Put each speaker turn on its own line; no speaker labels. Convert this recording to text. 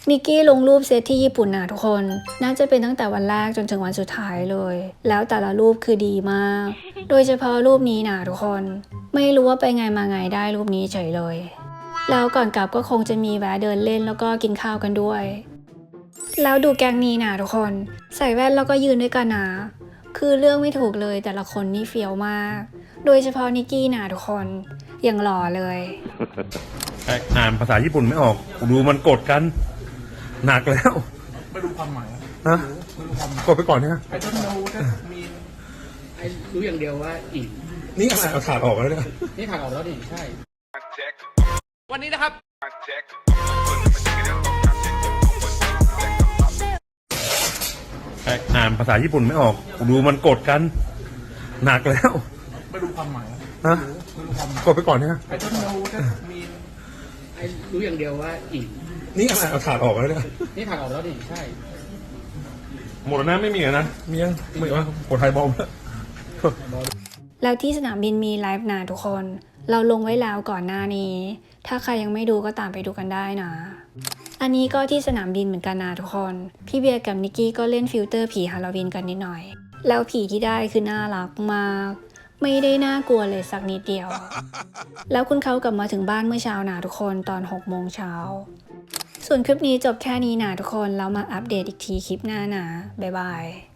นิกกี้ลงรูปเซตที่ญี่ปุ่นนะทุกคนน่าจะเป็นตั้งแต่วันแรกจนถึงวันสุดท้ายเลยแล้วแต่ละรูปคือดีมากโดยเฉพาะรูปนี้นะทุกคนไม่รู้ว่าไปไงมาไงได้รูปนี้เฉยเลยแล้วก่อนกลับก็คงจะมีแวะเดินเล่นแล้วก็กินข้าวกันด้วยแล้วดูแกงนี้นะทุกคนใส่แว่นแล้วก็ยืนด้วยกันนะคือเรื่องไม่ถูกเลยแต่ละคนนี่เฟี้ยวมากโดยเฉพาะนิกกี้นะทุกคนยังหล่อเลย
อ่านภาษาญี่ปุ่นไม่ออกดูมันกดกันหนักแล้ว
ไม่รู้ความหมาย
ฮะ
ไม่รู้ความหมาย
กดไปก่อนเนี่ย
ไอ้ต้นโน้ตมีไอ้รู้อย่างเดียวว่าอีก
นี่อะไรเอาถาดออกแล้วเนี่ย
นี่ถ่ายออกแล้วดิใช่วันนี้นะครับ
อ่านภาษาญี่ปุ่นไม่ออกดูมันกดกันหนักแล้ว
ไม่รู้ความหมาย
ฮะ
ไม่รู้ความหมาย
กดไปก่อนเนี่ย
ไอ้ต้นโน้ตมีไอ้รู้อย่างเดียวว่าอีก
นี่อะไรเอาถาดออกแล้วเนี่ย
นี่ถ่ายออกแล้วดิใช่
หมดแล้วนะไม่มีนะมียังไม่ว่าคนไทยบอม
แล้วที่สนามบินมีไลฟ์นะทุกคนเราลงไว้แล้วก่อนหน้านี้ถ้าใครยังไม่ดูก็ตามไปดูกันได้นะอันนี้ก็ที่สนามบินเหมือนกันนะทุกคนพี่เบียร์กับนิกกี้ก็เล่นฟิลเตอร์ผีฮาโลวีนกันนิดหน่อยแล้วผีที่ได้คือน่ารักมากไม่ได้น่ากลัวเลยสักนิดเดียวแล้วคุณเขากลับมาถึงบ้านเมื่อเช้านะทุกคนตอน6 โมงเช้าส่วนคลิปนี้จบแค่นี้นะทุกคนแล้วมาอัปเดตอีกทีคลิปหน้านะบ๊ายบาย